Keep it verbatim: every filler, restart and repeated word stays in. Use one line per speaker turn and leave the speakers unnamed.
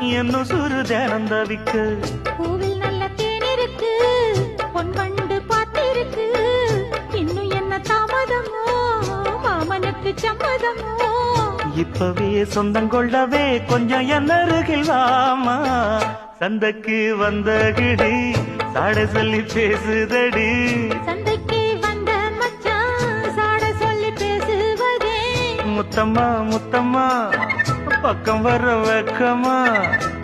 இன்னும் சுரு தினம் தவிக்கு.
பூவில் நல்ல தேன் இருக்கு, பொன் வண்டு பாத்திருக்கு, இன்னும் என்ன தாமதமோ மாமனுக்கு சம்மதமோ.
இப்பவே சொந்தங்கொள்ளவே கொஞ்சம் என்ன அருகில் வாமா. சந்தைக்கு வந்த கிடி சாட சொல்லி பேசுதடி.
சந்தைக்கு வந்த மச்சான் சாட சொல்லி பேசுவதே.
முத்தம்மா முத்தம்மா பக்கம் வர வெக்கமா.